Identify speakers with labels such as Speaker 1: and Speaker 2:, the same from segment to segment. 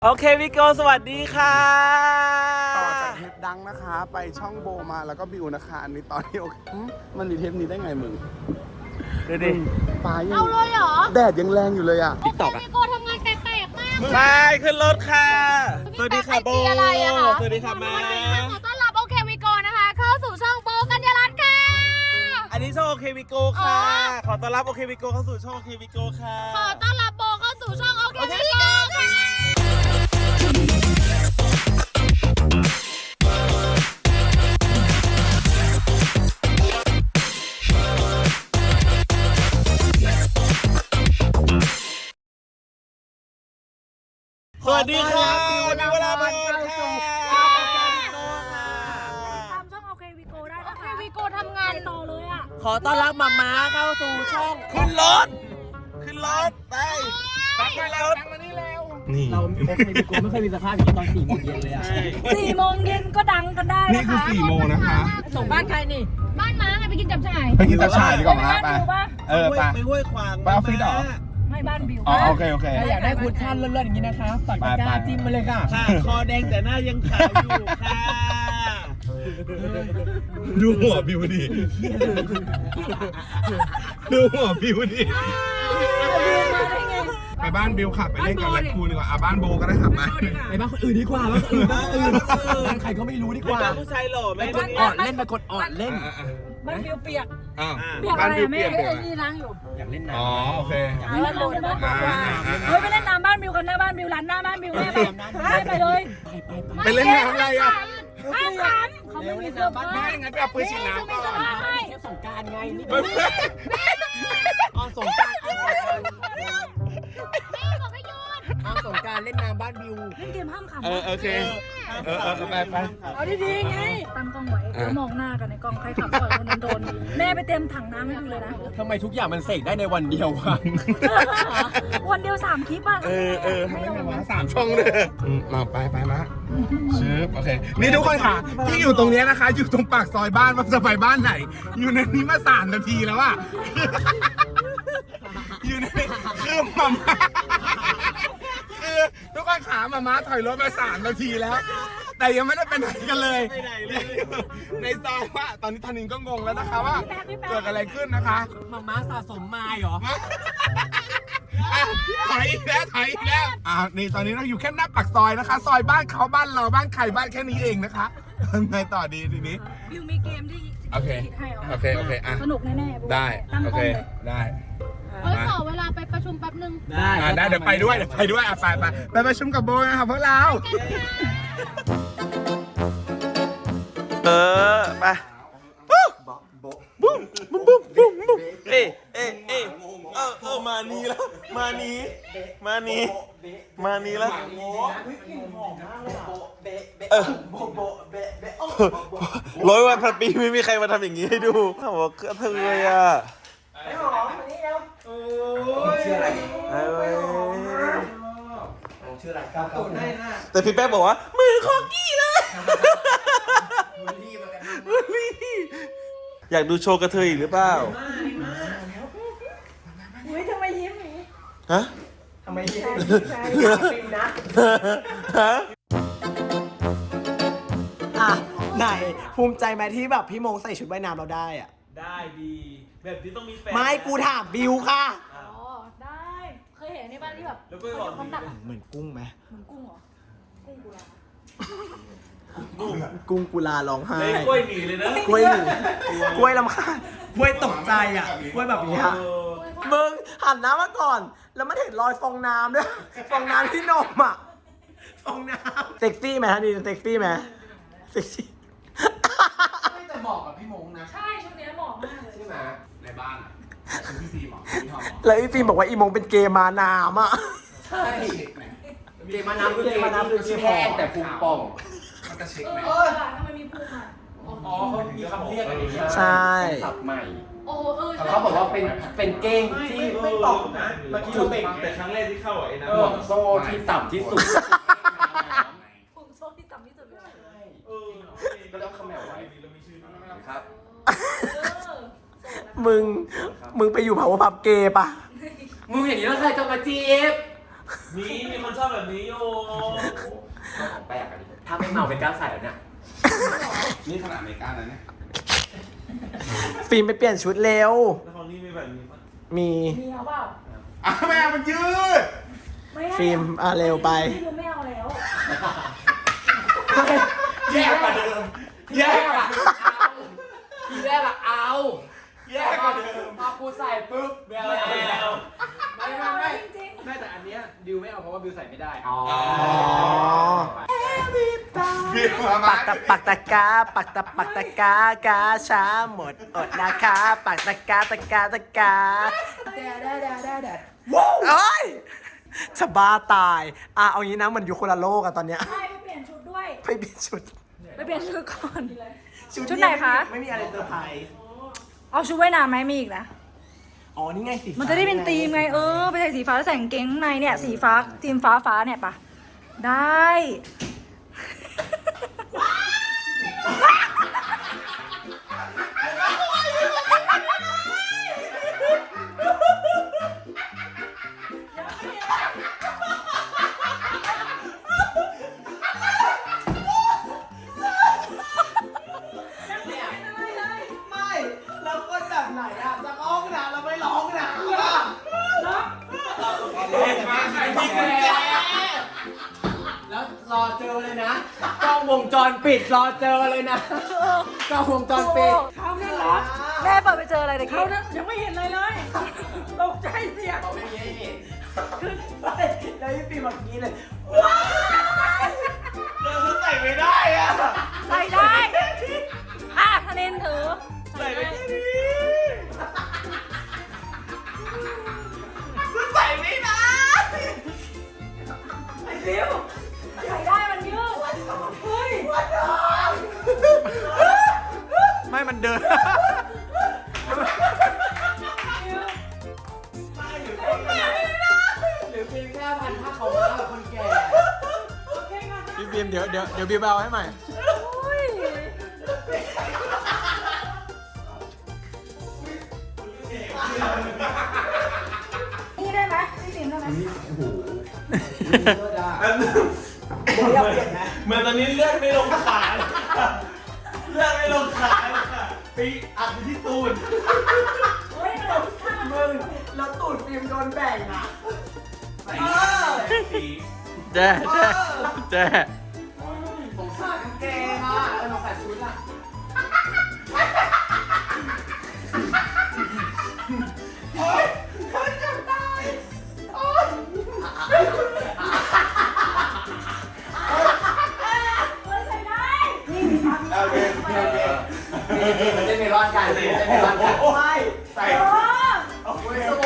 Speaker 1: โอเคพี่โกสวัสดีค่ะ
Speaker 2: ต่อจากเทปดังนะคะไปช่องโบมาแล้วก็บิวนะคะอันนี้ตอนนี้โอเคมันมีเทปนี้ได้ไงมึง
Speaker 1: ดูดิ
Speaker 2: ฟ้ายัง
Speaker 3: เอาเลยเหรอ
Speaker 2: แดดยังแรงอยู่เลยอ่ะ
Speaker 1: ติ๊กต็อกอะ
Speaker 3: พี่โกทำงานแปลกๆมาก
Speaker 1: ไปขึ้นรถค่ะสวัสดีค่ะโบ
Speaker 3: อะไรอะคะ
Speaker 1: สวัสดีค่ะแม่
Speaker 3: ขอต้อนรับโอเควิโกนะคะเข้าสู่ช่องโบกัญญารัตน์ค่ะ
Speaker 1: อันนี้ช่องโอเควิโกค่ะ
Speaker 3: อ๋อ
Speaker 1: ขอต้อนรับโอเควิโกเข้าสู่ช่องโอเควิโกค่ะ
Speaker 3: ขอต้อนรับโบเข้าสู่ช่องโอเควิโกค่ะ
Speaker 1: สวัสดีค่ะมีเวลามาค่ะ
Speaker 3: ตามช่องโอเควิโกได้นะคะโอเควิโกทำงานต่อเลยอ่ะ
Speaker 1: ขอต้อนรับมาม้าเข้าสู่ช่องขึ้นรถไปขึ้นรถนี่
Speaker 4: เราโอเคพี่โกไม่เคยมีสภาพอย่างนี้ตอน4 โมงเย็นเลยอ่ะ
Speaker 3: 4 โมงเย็นก็ดังกันได้
Speaker 2: นี่
Speaker 3: นะ
Speaker 2: คือ
Speaker 3: คะ
Speaker 2: 4 โมงนะคะ
Speaker 4: ส่งบ้านใครนี่
Speaker 3: บ้านม้าไงไปกินจับฉ่าย
Speaker 2: ไปกินตาฉ่ายดีกว่ามา
Speaker 3: บ้าน
Speaker 2: ไป
Speaker 3: บิวปะ
Speaker 2: ไป
Speaker 1: ไปห้วยขวาง
Speaker 2: ไปออฟฟิศเหรอ
Speaker 3: ไม่บ้านบิว
Speaker 2: อ๋อโอเคโอเค
Speaker 4: ถ้าอยากได้คุชชั่นเลิศๆอย่างนี้นะคะปักตะกร้าจิ้มมาเลยค่ะ
Speaker 1: ค่ะคอแดงแต่หน้ายังขาวอยู่ค่ะ
Speaker 2: ดูหัวบิวดิดูหัวบิวดิไปบ้านบิวขับไปเล่นกับแรคคูนดีกว่าบ้านโบก็ได้ขับมา
Speaker 4: ไปบ้านคนอื่นดีกว่าบ้านคนอื่นบ้านใครก็ไม่รู้ดีกว่า
Speaker 1: บ้านผู้ชายหล่อไหม
Speaker 4: ไปกดออดเล่นไปกดออดเล่น
Speaker 3: บ้านบิวเปียก
Speaker 2: อ้าว
Speaker 3: เปียก
Speaker 2: บ้า
Speaker 3: อะ
Speaker 2: น
Speaker 3: ไร
Speaker 2: บิว
Speaker 3: แม่
Speaker 2: เปียกเปียก
Speaker 3: ไอ้นี่ล้างอยู่
Speaker 4: อยากเล่น
Speaker 2: อ๋อ
Speaker 4: น้ำ
Speaker 2: โอเค
Speaker 3: ไม่เล่นน้ำใช่ไหมเฮ้ยไปเล่นน้ำบ้านบิวกันหน้าบ้านบิวร้านหน้าบ้านบิวแม่ไปเลย
Speaker 2: ไปเล่นน้ำอะไรอ่ะ
Speaker 3: ห้ามขำเขาไม่มีเสื้อผ้า
Speaker 2: ไม่งั้นไปเอาปืนฉีดน้ำก่อน
Speaker 3: ให้
Speaker 4: สงการไงนี่
Speaker 2: ไม่
Speaker 4: ออนสงการ
Speaker 3: แม่บอกให้หยุด
Speaker 4: ออนสงการเล่นน้ำบ้านบิว
Speaker 3: เล่นเกมห้ามขำ
Speaker 2: โอเคไป
Speaker 3: เอาดีๆไงตั้งกล้องไว้แล้วมองหน้ากันในกล้องใครขำก่อนคนนั้นโดนแม่ไปเตรียมถังน้ำให้ดูเลยนะ
Speaker 4: ทำไมทุกอย่างมันเสกได้ในวันเดียววะ
Speaker 3: วันเดียว3 คลิปอ่ะ
Speaker 2: ทำไมมา3 ช่องเลยมาไปมาชืบโอเคนี่ทุกคนค่ะที่อยู่ตรงนี้นะคะ อยู่ตรงปากซอยบ้านว่าจะไปบ้านไหน อยู่ในนี้มา3 นาทีแล้วอะอยู่ในคือมาม่าคือทุกคนขามาม่าถอยรถมา3 นาทีแล้ว แต่ยังไม่ได้ไปไหนกันเลยในซอยว่าตอนนี้ธนินก็งงแล้วนะคะว่าเกิดอะไรขึ้นนะคะ
Speaker 4: มาม่าสะสมไม้เหรอ
Speaker 2: ถอยอีกแล้วนี่ตอนนี้เราอยู่แค่หน้าปากซอยนะคะ ซอยบ้านเขาบ้านเราบ้านใครบ้านแค่นี้เองนะคะไงต่อดีทีนี้
Speaker 3: บิวมีเกมที่
Speaker 2: โอเคอ่ะ
Speaker 3: สนุกแน่ๆ
Speaker 2: ได้โอเคได้
Speaker 3: ขอเวลาไปประชุมแป๊บนึง
Speaker 2: ได้เดี๋ยวไปด้วยอ่ะไปประชุมกับโบนะครับพวกเรา
Speaker 1: ไปปุ๊บบุ้มเอ้มานี้แล้วมานี้แล้ว100 วันพันปีไม่มีใครมาทำอย่างนี้ให้ดูบอกกระเทยอ่ะชื่ออะไรแต่พี่แป๊บบอกว่ามือคอกี้เลยอยากดูโชว์กระเทยอีกหรือเปล่า
Speaker 3: อุ้ยทำไมยิ้มอย่างนี้
Speaker 1: ฮะ
Speaker 4: ทำไมยิ้มนะ
Speaker 1: ฮะ
Speaker 5: อ่ะไหนภูมิใจไหมที่แบบพี่มงใส่ชุดว่ายน้ำเราได้อ่ะ
Speaker 1: ได้ดีแบบนี้ต้องมีแฟน
Speaker 5: ไม่กูถามบิวค่ะ
Speaker 3: อ๋อได้เคยเห็นในบ้านที่แบบ
Speaker 1: แล้วก็บอก
Speaker 3: ความหนัก
Speaker 5: เหมือนกุ้งไหม
Speaker 3: เหมือนกุ้งเหรอกุ้งกุลา
Speaker 5: กุ้งกุลาร้องไห้
Speaker 1: เลยกล้วยหนีเลยนะ
Speaker 5: กล้วยหนึ่งกล้วยลำคาญกล้วยตกใจอ่ะกล้วยแบบนี้ฮะมึงหันน้ำมาก่อน แล้วมันเห็นรอยฟองน้ำด้วยฟองน้ำที่นมอ่ะฟองน้ำเซ็กซี่ไหมฮะนี่เซ็กซี่ไหมเซ็กซี่
Speaker 4: แต่เหมาะกับพี่มงนะ
Speaker 3: ใช่ชุดนี้เหมาะมากเลย
Speaker 4: ใช่ไหมในบ้านเป็นพี่ฟิล์มพี่ทอม
Speaker 5: แล้วอีฟิล์มบอกว่าอีมงเป็นเกย์มาน้ำอ่ะ
Speaker 4: ใช่เกมมาน้ำคือเกมมาน้ำคือแห้งแต่ภูมิป่อง
Speaker 2: มันจะเช็คไหม
Speaker 3: ทำไมมีภูมิอ่ะ
Speaker 4: อ๋อเขามีคำเรียกอันนี้
Speaker 5: ใช่
Speaker 4: ศัพท์ใหม่
Speaker 3: โอ้ใช่
Speaker 4: เขาบอกว่าเป็นเก้งที่ไม่ป่องนะเมื่อกี้เราเบ่ง
Speaker 1: แต่ครั้งแรกที่เข้าไอ้นะ
Speaker 4: ห่วงโซ่ที่ต่ำที่สุด
Speaker 3: ภูมิโซ่ที่ต่ำที่สุดเลย
Speaker 4: ก็ต้องคำแมวไว้ครับ
Speaker 5: มึงไปอยู่เผาพับเกย์ปะ
Speaker 4: มึงอย่างนี้แล้วใครจะมาจีบ
Speaker 1: มีคนชอบแบบนี้อยู่
Speaker 4: แปลกอันนี้ถ้าไม่เมาเป็นกล้าใส่แล้วเนี่ย
Speaker 2: นี่ขนาดอเมริกาแล้วเนี่ย
Speaker 5: ฟิล์มไปเปลี่ยนชุดเร็ว
Speaker 1: แล้วของนี่มีแบบนี้ปะ
Speaker 5: มี
Speaker 3: มีเอาเปล่า
Speaker 2: แม่มันยืด
Speaker 3: ไม่ให้
Speaker 5: ฟิล์มเร็วไป
Speaker 3: พี่ดูไม่เอาแล้ว
Speaker 4: แย่กว่าเดิมแย่กว่าทีแรกอะเอา
Speaker 2: แย่กว่าเดิม
Speaker 4: พอกูใส่ปุ๊บไม่เอา
Speaker 1: ไม่
Speaker 4: แล้ว
Speaker 1: เอา
Speaker 3: ไม่เอาจริง
Speaker 4: ไม่แต่อันเนี้ยดิวไม่เอาเพราะว่าบิวใส่ไม่ได้
Speaker 5: อ๋อ
Speaker 2: บิวมา
Speaker 5: ปักตะกาปักตะกากาช้าหมดอดนะคะปักตะกาโอ้ยจะบ้าตายเอางี้นะมันอยู่คนละโลกอะตอนเนี้ย
Speaker 3: ๆใช่ไปเปลี่ยนชุดด้วย
Speaker 5: ไปเปลี่ยนชุด
Speaker 3: ไปเปลี่ยนชุดก่อน ชุดไหนคะ
Speaker 5: ไม่มีอะไรเซอร์ไพรส์
Speaker 3: เอาชุดว่ายน้ำไหมมีอีกนะ
Speaker 5: อ๋อนี่ไงสิ
Speaker 3: มันจะได้เป็นธีมไงไปใส่สีฟ้าแล้วใส่กางเกงข้างในเนี่ยสีฟ้าธีมฟ้าเนี่ยปะได้
Speaker 5: ไม่แล้วคนแบบไหนอะจะร้องนะเราไม่ร้องนะ
Speaker 4: แล้วรอเจอเลยนะกล้องวงจรปิดรอเจอเลยนะกล้องวงจรปิด
Speaker 3: เขาเนี่ยเหรอแม่เปิดไปเจออะไรเด็กเขายังไม่เห็นอะไรเลยตกใจเสีย
Speaker 4: เขาไม่มีให้เห็น
Speaker 5: แล้วพี่ปีแบบนี้เลย
Speaker 1: เราฉันใส่ไม่ได้อะ
Speaker 3: ใส่ได้ธนินถือ
Speaker 1: ใส่ได้แค่นี้ฉันใส่ไม่ได้
Speaker 3: ใส่ได้มันยืดเฮ้ย
Speaker 5: ไม่มันเดิน
Speaker 4: หรือเพียงแค่พันผ้าขาวม้าแบบคนแก่
Speaker 5: พี่บีมเดี๋ยวบีมเอาให้ใหม่
Speaker 3: นี่ได้ไหมพี่ติ๋มได้ไหม
Speaker 1: อันนึงเหมือนตอนนี้เลือดไม่ลงขาเลยค่ะเลือดไม่ลงขาเลยค่ะไปอัดไปที่ตูด
Speaker 3: เฮ้ยมัน
Speaker 5: มึงแล้วตูดฟิล์มโดนแบ่งอะ
Speaker 1: สี
Speaker 5: แจ้แจ้
Speaker 4: ผมใส่กางเกงอ่ะแล้วมาใส่ชุดอ่ะ
Speaker 3: ใส่ได้
Speaker 2: โอเคโอเค
Speaker 4: มันจะมีร้อนกันมันจะมีร้อนกัน
Speaker 5: ไม่
Speaker 2: ใส่
Speaker 4: โอ้ยสวย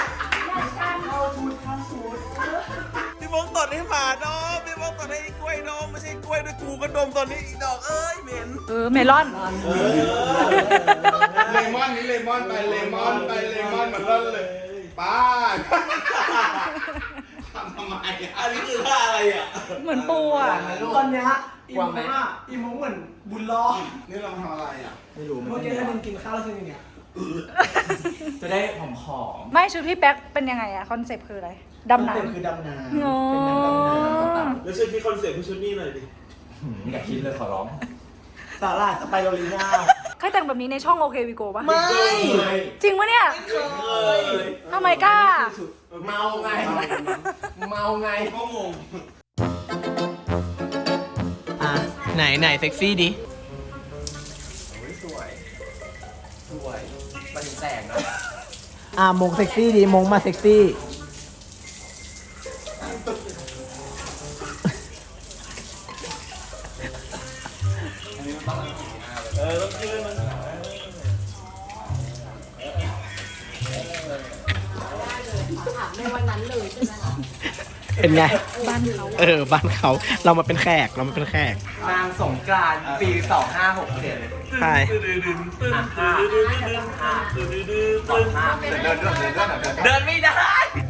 Speaker 1: พี่มงตดให้หมาดมพี่มงตดให้กล้วยดมไม่ใช่กล้วยด้วยกูก็ดมตอนนี้อีดอกเอ้ยเหม็น
Speaker 3: เมลอน
Speaker 2: เลมอนนี่เลมอนไปเลมอนไปเลมอนมาเล่นเลยป้าทำไม
Speaker 1: อันนี้คือท่าอะไรอ่ะ
Speaker 3: เหมือนปูอ่ะ
Speaker 5: ตอนเนี้ยอีมงอะอีมงเหมือนบุญรอด
Speaker 2: นี่เราทำอะไรอ่ะ
Speaker 5: เมื่อกี้ถ้ามึงกินข้าวแล้วทีนึงเนี่ย
Speaker 4: จะได้หอม
Speaker 3: ไม่ชุดพี่แป๊กเป็นยังไงอะคอนเซปต์คืออะไรดำน้
Speaker 5: เป็นคือดำน้ำ
Speaker 3: ำอ๋อ
Speaker 5: เป็นน้ำดำน้
Speaker 1: แล้วช่วยพี่คอนเซ็ปต์พี่ชุดนี้หน่อยดิ
Speaker 4: ๆอย่าคิดเลยขอร้อง
Speaker 5: ำสาหร่ายสไปโรลีน่า
Speaker 3: เคยแต่งแบบนี้ในช่องโอเควิโกปะ
Speaker 5: ไม่
Speaker 3: จริงปะเนี่ย
Speaker 1: เออ
Speaker 3: ทำไมกล้า
Speaker 4: เมาไง เมาไง
Speaker 1: ก็งง
Speaker 5: ไหนเซ็กซี่ดิ
Speaker 4: สวย สวย มันแสงนะ
Speaker 5: มงเซ็กซี่ดิมงมาเซ็กซี่
Speaker 1: เออต้องขึ้นมัน
Speaker 5: เป็นไง บ้านเขาบ้านเขา เรามาเป็นแขก
Speaker 4: นางสงกรานต์ปี 2567
Speaker 5: ใช่
Speaker 1: เดินไม่ได้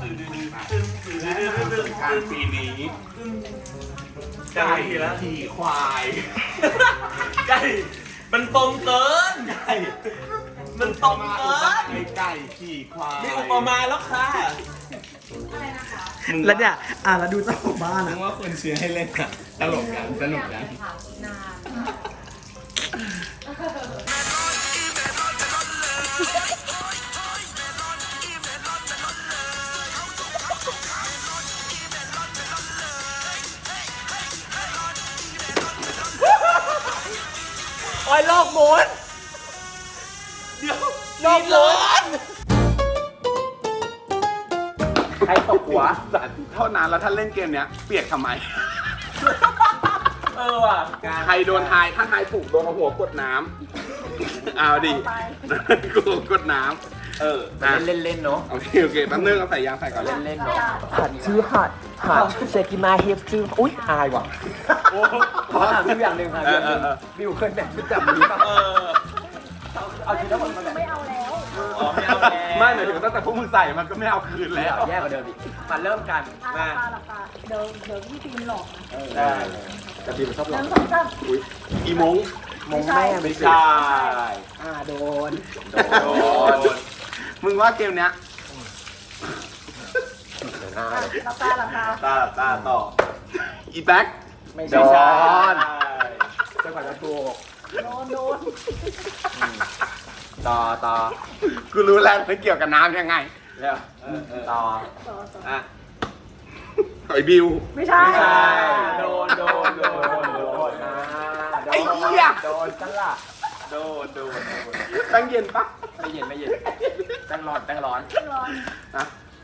Speaker 2: การปีนี้
Speaker 1: ไก่แล้ว
Speaker 2: ขี่ควาย
Speaker 1: ไก่มันตรงเกินไก่มันตรงเกิน
Speaker 2: ไก่ขี่ควาย
Speaker 1: มีอุปมาแล้วค่ะ
Speaker 5: แล้วเนี่ยแล้วดูเจ้าของบ้าน
Speaker 2: มึ
Speaker 5: อะ
Speaker 2: งว่าคนเชียร์ให้เล่นอะตลกกันสนุกกัน
Speaker 5: โอ้ยโลกหมุนเดี๋ยวโลกหมุน
Speaker 2: ใครตกหัวสัตว์เท่านั้นแล้วถ้าเล่นเกมเนี้ยเปียกทำไม
Speaker 5: ว่ะ
Speaker 2: ใครโดนทายถ้าทายถูกโดนเอาหัวกดน้ำเอาดิกูกดน้ำ
Speaker 5: เล่นเนาะ
Speaker 2: โอเคแป๊บนึงเอาใส่ยางใส่ก่อนเล่น
Speaker 5: เล่นเนาะหัดเซกิมาเฮฟชื่ออุ้ยอายว่ะขอถามพี่อย่างหนึ่งค่ะบิวเคยแบ่งชุดจับนี้ป่ะเอาชุดทั้งหมดมาแบ่ง
Speaker 3: ไม่เอาแล้ว
Speaker 5: ไม่เอาแล้ว
Speaker 2: ไม่หมายถึงตั้งแต่พวกมึงใส่มันก็ไม่เอาคืนแล้ว
Speaker 5: แย่กว่าเดิมอีกมาเริ่มกัน
Speaker 3: หลับตาเดี๋ยวพี่ฟิล์มหลอกนะ
Speaker 5: ได้แต่พี่มันชอบ
Speaker 3: ห
Speaker 5: ร้อ
Speaker 3: นึ่
Speaker 5: ง
Speaker 3: งสองสาม
Speaker 2: อุ้ยอีมง
Speaker 5: มงแม่ไม่ใช่ โดน
Speaker 2: มึงว่าเกมเนี้ย
Speaker 3: หลับตา
Speaker 1: ตาต่อ
Speaker 2: อีแบ็ค
Speaker 5: ไม่
Speaker 2: โด
Speaker 5: ใช่
Speaker 2: น
Speaker 5: จะก่อนจะถูก
Speaker 3: โดน
Speaker 5: ต่อ
Speaker 2: กูรู้แล้วมันเกี่ยวกับน้ำยังไง
Speaker 5: แล้วต่อ
Speaker 2: ไอ้บิว
Speaker 3: ไม่ใช่
Speaker 5: ไม่ใช่โดน
Speaker 2: ไอ้เหี้ย
Speaker 5: โดนจังล่ะ
Speaker 1: โดน
Speaker 2: แป้งเย็นปะ
Speaker 5: ไม่เย็นแป้งร้อน
Speaker 3: ร้อน
Speaker 2: นะ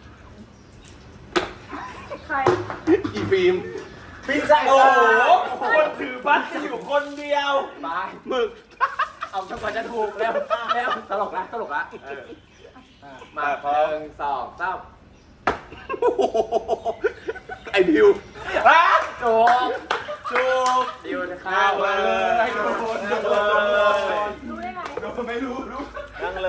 Speaker 3: ใคร
Speaker 2: อีฟิล์ม
Speaker 5: พี่ใส่
Speaker 1: โอ้โหคนถือบัตรอยู่คนเดียว
Speaker 5: ไป
Speaker 2: หมึก
Speaker 5: เอาจังหวะจะถูกแล้วตลกละมา1 2 3
Speaker 2: ไอ้บิว
Speaker 5: ถูก
Speaker 1: จูบ
Speaker 5: ดิวจะข้าวเลย
Speaker 3: รู้ได้ไง
Speaker 2: ไม่รู้
Speaker 1: นั่งเลย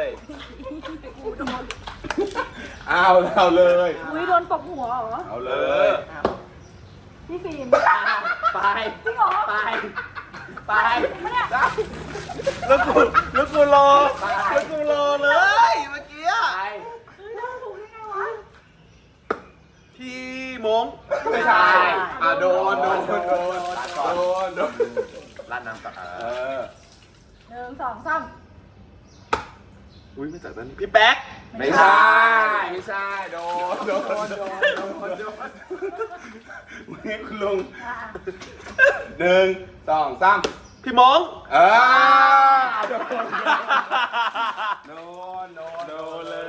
Speaker 2: เอาเลย
Speaker 3: อุ้ยโดนตบหัวเหรอ
Speaker 2: เอาเลย
Speaker 3: พี่ฟิล์ม
Speaker 5: ไป
Speaker 3: จริงเหรอ
Speaker 5: ไป
Speaker 3: ไม่เนี่ย
Speaker 1: แล้วกูรอเลยเมื่อกี้
Speaker 5: ไป
Speaker 3: ถูกได้ไงวะ
Speaker 1: พี่มง
Speaker 2: ไม่ใช่โดน
Speaker 5: ร้านน้ำก่อน
Speaker 3: หนึ่งสองสาม
Speaker 2: อุ้ยไม่จัดตอนนี้
Speaker 1: พี่แป๊ก
Speaker 2: ไม่ใช่โดนนี่คุณลุง1 2 3
Speaker 1: พี่มง
Speaker 2: โดนเลย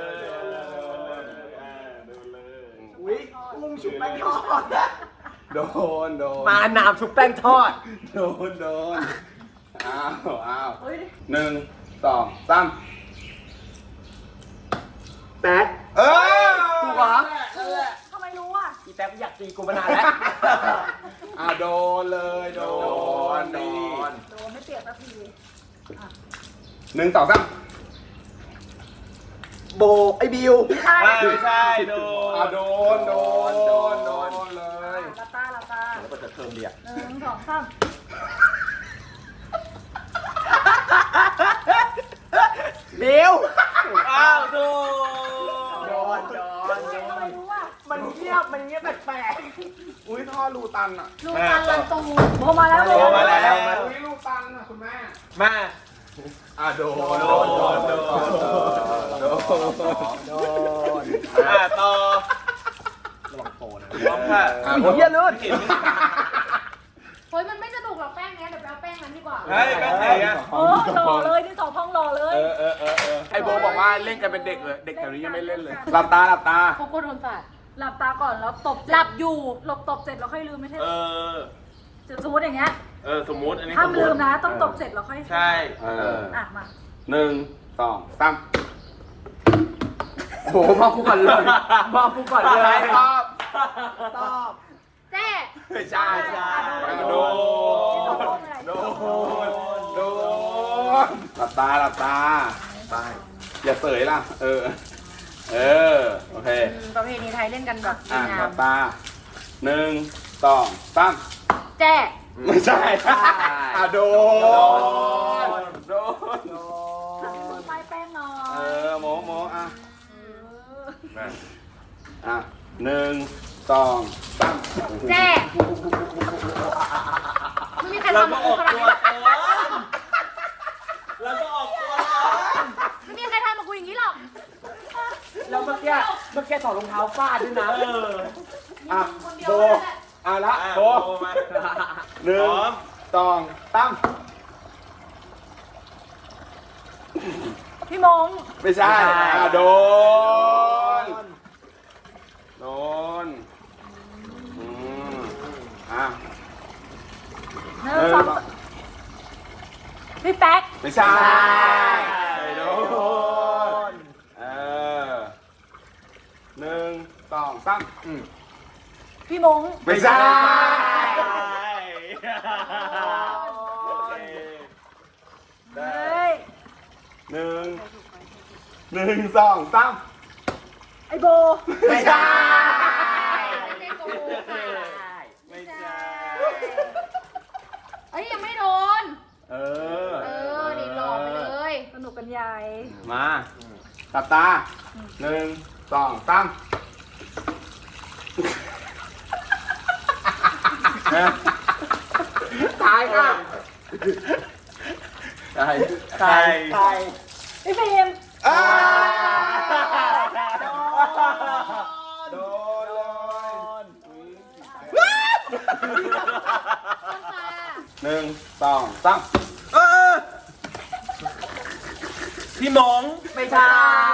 Speaker 5: อุ้ยกุ้งชุบแป้งทอด
Speaker 2: โดน
Speaker 5: มาน้ำชุบแป้งทอด
Speaker 2: โดนอ้าว
Speaker 3: เฮ้ย
Speaker 2: 1 2 3
Speaker 5: แป๊ก ถูกเหรอ
Speaker 3: ทำไมรู้อ่ะ
Speaker 5: อีแป๊กอยากตีกูมานานแล้ว
Speaker 2: โดนเลยโดนนี่
Speaker 3: โดนไม่เปียกสักที
Speaker 2: 1 2 3
Speaker 5: โบไอ้บิว
Speaker 3: ใช่
Speaker 1: ไม่ใช่โดน
Speaker 2: โดนเลย
Speaker 3: หลับตา
Speaker 5: แล้วก็จะเทิมเดีย
Speaker 3: หนึ่งสองสาม
Speaker 5: บิว
Speaker 1: อ้าวโดน
Speaker 5: โดน
Speaker 3: ทำไมรู้อ่ะ
Speaker 5: มันเงียบแปลก
Speaker 2: อุ้ยท่อรูตันอ่ะ
Speaker 3: ลูกตันลันตูโบมาแล้ว
Speaker 2: อุ้ยรูตันอ่ะคุณแม่
Speaker 1: มา
Speaker 2: โดน
Speaker 1: ต่อ
Speaker 5: ระวังโตนะ
Speaker 1: พร้อมค่ะ
Speaker 5: เฮียลื่น
Speaker 3: เฮ้ยมันไม่สนุกหรอกแป้งเนี้ยเดี๋ยวไปเอาแป้งนั้นดีกว่า
Speaker 1: เฮ้ยแป๊กไหนอะ
Speaker 3: โอ้หล่อเลยที่สองพองหล่อเลย
Speaker 2: ไอโบบอกว่าเล่นกันเป็นเด็กเลย เด็กแถวนี้ยังไม่เล่นเลย หลับตา
Speaker 3: เขากดโดนสาดหลับตาก่อนแล้วตบหลับอยู่หลบตบเสร็จแล้วค่อยลืมไม่ใช่ สมมติอย่างเงี้ย
Speaker 1: สมมติอันนี้
Speaker 3: ห้าม
Speaker 1: สมม
Speaker 3: ลื
Speaker 1: ติ
Speaker 3: มนะต้องตบเสร็จแล้วค่อย
Speaker 1: ใช่
Speaker 3: มา
Speaker 2: 1 2 3
Speaker 5: โหมองกูก่อนเลยมองกูก่อนเลย
Speaker 2: ตอบ
Speaker 3: ตอบแจ้
Speaker 2: ไม่ใช่โดนหลับตาไปอย่าเสยล่ะ โอเค
Speaker 3: ประเพณีไทยเล่นกันแบบงา
Speaker 2: หลั
Speaker 3: ม
Speaker 2: บตา 1 2 3
Speaker 3: แจ้
Speaker 2: ไม่ใช่โดน
Speaker 3: ไปแป้งหน่อย
Speaker 2: โมอ่ะอ่ะ1 2 3
Speaker 3: แจ้ไม่มีใคร
Speaker 1: เรา
Speaker 3: ทำ
Speaker 1: ก็
Speaker 3: มา
Speaker 1: อ
Speaker 3: กู
Speaker 1: อก
Speaker 3: ขนาด
Speaker 1: ตัว
Speaker 3: นี้
Speaker 1: ก่อนเราก็ออกตัวก่อน
Speaker 3: ไม่มีใครทำมากูอย่างนี้หรอก
Speaker 4: แล้วเมื่อกี้ถอดรองเท้าฟาดด้วยนะ
Speaker 2: อ่ะ
Speaker 3: คนเดียว
Speaker 2: โบ
Speaker 3: นั่นแหละ
Speaker 2: อ่ะละ
Speaker 1: อ่ะ
Speaker 2: โบ
Speaker 1: โบมา
Speaker 2: หนึ่
Speaker 1: พ
Speaker 2: ง
Speaker 1: ร้อม
Speaker 2: สองตั้ม
Speaker 3: พี่มง
Speaker 2: ไม่ใช่อ่ะโดนอืมอ่ะ
Speaker 3: หนึ่งสองพี่แป๊ก
Speaker 2: ไม่ใช่โดน1 2 3
Speaker 3: พี่มง
Speaker 2: ไม่ใช่
Speaker 1: โอเค
Speaker 3: เฮ้ย
Speaker 2: 1 2 3
Speaker 3: ไอโบ
Speaker 2: ไม่ใช่
Speaker 3: ไม่ใช่กูค่ะ
Speaker 1: ไม่ใช่
Speaker 3: เอ้ยยังไม่โดน
Speaker 2: เออ
Speaker 3: นี่หลอกไปเลยสนุกกันใหญ่
Speaker 2: มาตับตา1 2 3ตายค่ะตาย
Speaker 1: ใคร
Speaker 3: พี่ฟิล์ม
Speaker 2: โดนเลยหนึ่งสองสาม
Speaker 1: พี่มง
Speaker 4: ไม่ใช่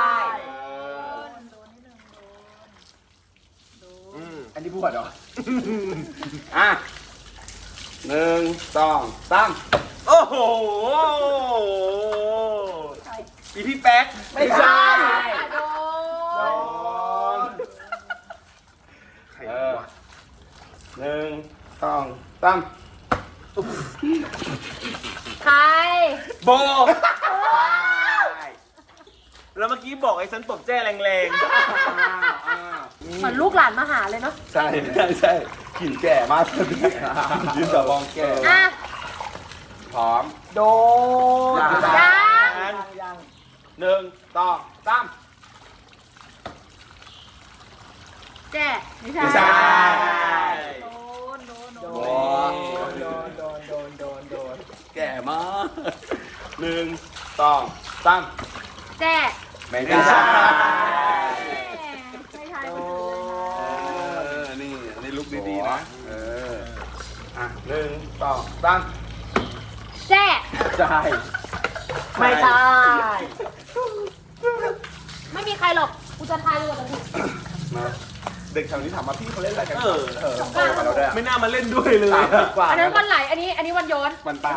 Speaker 4: อันนี้พูดเหรอ
Speaker 2: อ่ะ1 2 3
Speaker 1: โอ้โหอีพี่แป๊ก
Speaker 4: ไม่ใช่
Speaker 3: โด
Speaker 2: โด
Speaker 3: น
Speaker 2: นใครวะ1 2 3
Speaker 3: ใคร
Speaker 1: โบ แล้วเมื่อกี้บอกไอ้ฉันตบแจ้แรง
Speaker 3: เหมือนลูกหลานมาหาเลยเนาะ
Speaker 2: ใช่ใช่กลิ่นแก่มากเลยยืนแบบมองแก่
Speaker 3: อ่ะ
Speaker 2: พร้อม
Speaker 4: โดน
Speaker 3: ยัง
Speaker 4: ยัง
Speaker 2: 1 2 3
Speaker 3: แจ้ไม่ใช่
Speaker 2: ไม่ใช่
Speaker 3: โดนโดนโด
Speaker 2: โด
Speaker 3: น
Speaker 2: นแก่มาก1 2 3
Speaker 3: แจ้
Speaker 2: ไม่
Speaker 1: ไม่
Speaker 2: ใช่
Speaker 1: ใช่
Speaker 3: ไม่ใช่
Speaker 2: นี่อันนี้ลุกดีๆนะอ่ะ1 2 3
Speaker 3: แจ้
Speaker 4: ใช่ ไม่ใช่
Speaker 3: ไม่มีใครหรอกกูจะทายเลยว่าจะถูก
Speaker 2: มาเด็กแถวนี้ถามมาพี่เขาเล่นอะไรกัน
Speaker 1: เออ
Speaker 2: มาเราด้วย
Speaker 1: ไม่น่ามาเล่นด้วยเลย
Speaker 4: 30 กว่า
Speaker 3: อันนั้นวันไหลอันนี้วันย้อน
Speaker 2: มันตาย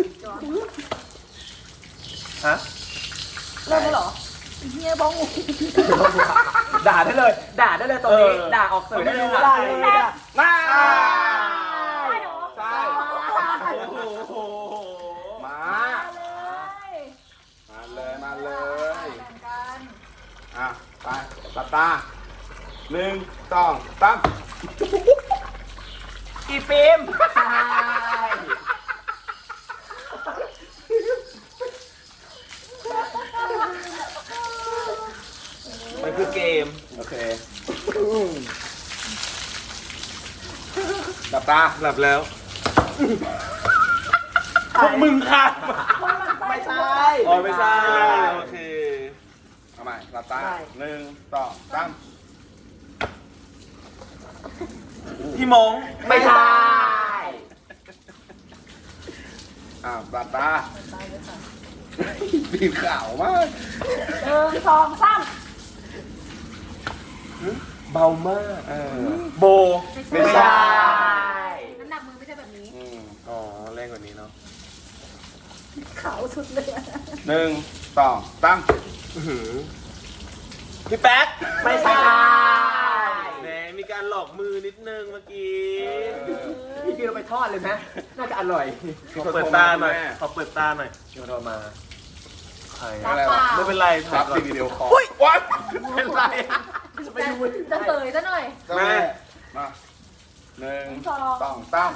Speaker 1: ฮะ
Speaker 3: เริ่มแล้วเหรอเฮียบ้อง
Speaker 4: ด่าได้เลย ด่าได้เลยตรงนี้ ด่าออกสื่อได้เลย
Speaker 1: ด่า
Speaker 4: เลย
Speaker 2: มา
Speaker 3: ใช่เหรอ
Speaker 2: ใช่
Speaker 1: โอ้โห
Speaker 2: มา
Speaker 3: เลย
Speaker 2: มาเลย
Speaker 3: แบ่งกัน
Speaker 2: อ่ะไปหลับตา1 2 3
Speaker 4: อีฟิล์ม
Speaker 1: มันคือเกม
Speaker 2: โอเคหลับตา
Speaker 1: หลับแล้วพวกมึงค่ะ
Speaker 4: ไม่ใช่
Speaker 1: อ๋อไม่ใช่ โอเค
Speaker 2: เอาใหม่หลับตา
Speaker 4: ได้
Speaker 2: 1 2 3
Speaker 1: พี่มง
Speaker 4: ไม่ใช่
Speaker 2: หลับตาปีนขาวมาก
Speaker 3: 1 2 3
Speaker 1: เบามาก โบ
Speaker 2: ไม่ใช่
Speaker 3: น้ำหนักมือไม่ใช่แบบนี้
Speaker 1: อ๋อ แรงกว่านี้เนาะ
Speaker 3: ขาวสุดเลย
Speaker 2: 1 2 3
Speaker 1: พี่แป๊ก
Speaker 4: ไม่ใช่
Speaker 1: แหมมีการหลอกมือนิดนึงเมื่อกี้
Speaker 4: พี่ฟิล์มเราไปทอดเลยไหมน่าจะอร่อย
Speaker 1: ขอเปิดตาหน่อย ขอเปิดตาหน่อย
Speaker 4: เดี๋ยวเรามา
Speaker 1: ใคร
Speaker 2: อะไรวะ
Speaker 1: ไม่เป็นไร
Speaker 2: ค
Speaker 1: ถ่า
Speaker 2: รั
Speaker 1: ย
Speaker 2: บ
Speaker 1: ก่อน
Speaker 2: สิ่งเดียวคอ
Speaker 1: วัดเป็นไรอะ
Speaker 3: จะเสยซะหน่อย
Speaker 2: แม่มา1 2 3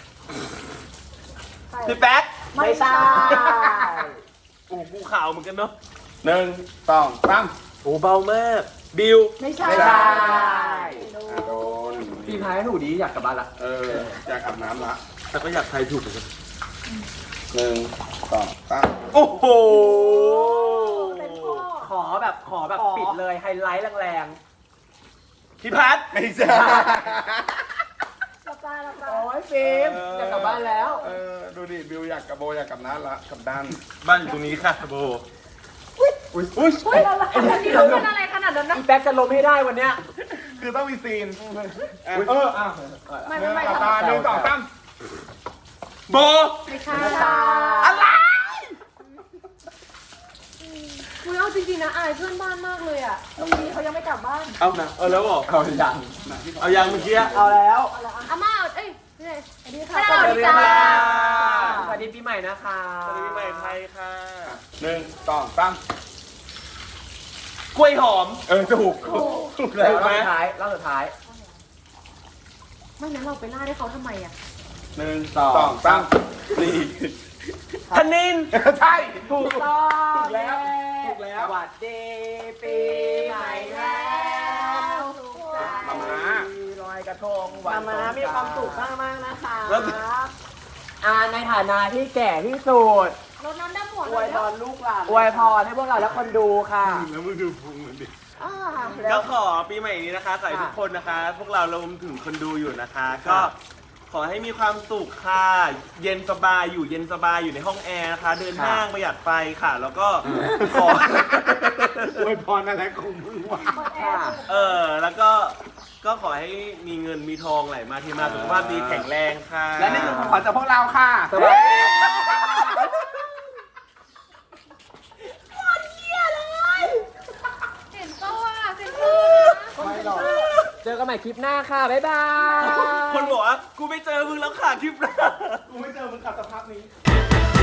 Speaker 1: พี่แป๊ก
Speaker 4: ไม่ใช่
Speaker 1: โอ้กูขาวเหมือนกันเนาะ
Speaker 2: 1 2 3
Speaker 1: โอ้เบามากบิว
Speaker 3: ไม่ใช่
Speaker 2: ไม่ใช่โดน
Speaker 4: ปีพายให้หนูดีอยากกลับบ้านละ
Speaker 2: อยากอาบน้ำละ
Speaker 1: แต่ก็อยากทายถูกเหมือนกัน
Speaker 2: 1 2 3
Speaker 1: โอ้โห
Speaker 3: เป็นพ่อ
Speaker 4: ขอแบบปิดเลยไฮไลท์แรง
Speaker 1: พี่พัด
Speaker 2: ไม่ใช่
Speaker 3: หลับตาหลับตา
Speaker 4: ๆโอ้ยฟิล์มอยากกลับบ้านแล้ว
Speaker 2: ดูดิบิวอยากกับโบอยากกับน้าละกับด้าน
Speaker 1: บ้านอยู่ตรงนี้ค่ะโบ
Speaker 3: เฮ้ยอะไรอันนี้รู้เป็นอะไรขนาดนั้นนะ
Speaker 4: อีแป๊กจะล้มให้ได้วันเนี้ย
Speaker 2: คือต้องมีซีน
Speaker 3: ไม่
Speaker 2: หลับตา1 2 3
Speaker 1: โบ
Speaker 3: ไม่ใช่
Speaker 1: อะไร
Speaker 3: คุยเอาจริงๆนะอายเพื่อนบ้านมากเลยอ่ะตรงนี้เขายังไม่กลับบ้าน
Speaker 1: เอานะแล้วบอก
Speaker 2: เอาอย่าง
Speaker 1: เอายังเมื่อกี้
Speaker 4: เอาแล้ว
Speaker 3: อาม่าเอ้ยนี่สวัสดีค่ะ
Speaker 4: สวัสดีค่ะสวัสดีปีใหม่นะคะ
Speaker 1: สวัสดีปีใหม่ไทยค่ะ
Speaker 2: 1 2 3
Speaker 1: กล้วยหอม
Speaker 2: ถูก
Speaker 1: ถูก
Speaker 4: แล้ว
Speaker 1: ไหม
Speaker 4: รอบสุดท้าย
Speaker 3: ไม่งั้นเราไปล่าให้เขาทำไมอ่ะ
Speaker 2: 1 2 3นี่
Speaker 1: ธนิน
Speaker 2: ใช่
Speaker 4: ถูกต้อง
Speaker 2: ถูกแล้ว
Speaker 4: สวัสดีปีใหม่แล้ว
Speaker 2: มามา
Speaker 4: ลอยกระทงวันมามีความสุขมากๆนะคะ
Speaker 1: แล้ว
Speaker 4: ในฐานะที่แก่ที่สุด
Speaker 3: รดน้ำดำหัว
Speaker 4: อ
Speaker 3: เล
Speaker 4: วย
Speaker 3: ย
Speaker 4: พรลูกหลานอวยพรให้พวกเราและคนดูค่ะ
Speaker 2: แล้วมึงดูพุงมันดิ
Speaker 1: ก็ขอปีใหม่นี้นะคะขอให้ทุกคนนะคะ พวกเรารวมถึงคนดูอยู่นะคะ ก็ขอให้มีความสุขค่ะ เย็นสบายอยู่เย็นสบายอยู่ในห้องแอร์นะคะ เดินห้างประหยัดไฟค่ะ แล้วก็ขอ
Speaker 2: อวยพรอะไรของมึงวะ
Speaker 1: แล้วก็ขอให้มีเงินมีทองไหลมาเทมาสุขภาพดีแข็งแรงค่ะ
Speaker 2: และนี่คือของขวัญจากพวกเราค่ะ
Speaker 4: สวัสดี
Speaker 3: เห็นก็ว่าเซ็นเซอร์นะ
Speaker 4: ไม่หรอกเจอกันใหม่คลิปหน้าค่ะ บ๊ายบาย
Speaker 1: คนบอกว่ากูไม่เจอมึงแล้วค่ะคลิปหน้า
Speaker 2: กูไม่เจอมึงขับสภาพนี้